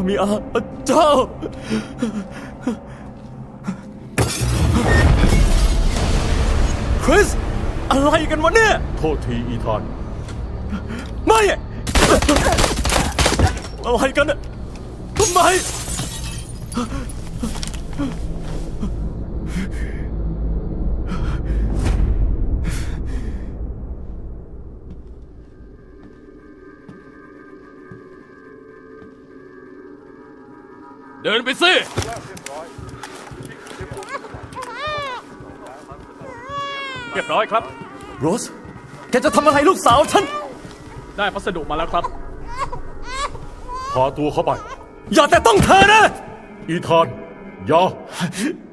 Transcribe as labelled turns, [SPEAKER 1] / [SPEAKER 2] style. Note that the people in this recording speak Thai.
[SPEAKER 1] มีอาเจ้าคริสอะไรกันวะเนี่ย
[SPEAKER 2] โทษทีอีธาน
[SPEAKER 1] ไม่อะไรกันเนี่ยทำไมเดินไปสิเรียบร้อยครับโรสแกจะทำอะไรลูกสาวฉันได้พัสดุมาแล้วครับ
[SPEAKER 2] พาตัวเข้าไป
[SPEAKER 1] อย่าแต่ต้องเธอนะ
[SPEAKER 2] อีธานอย่า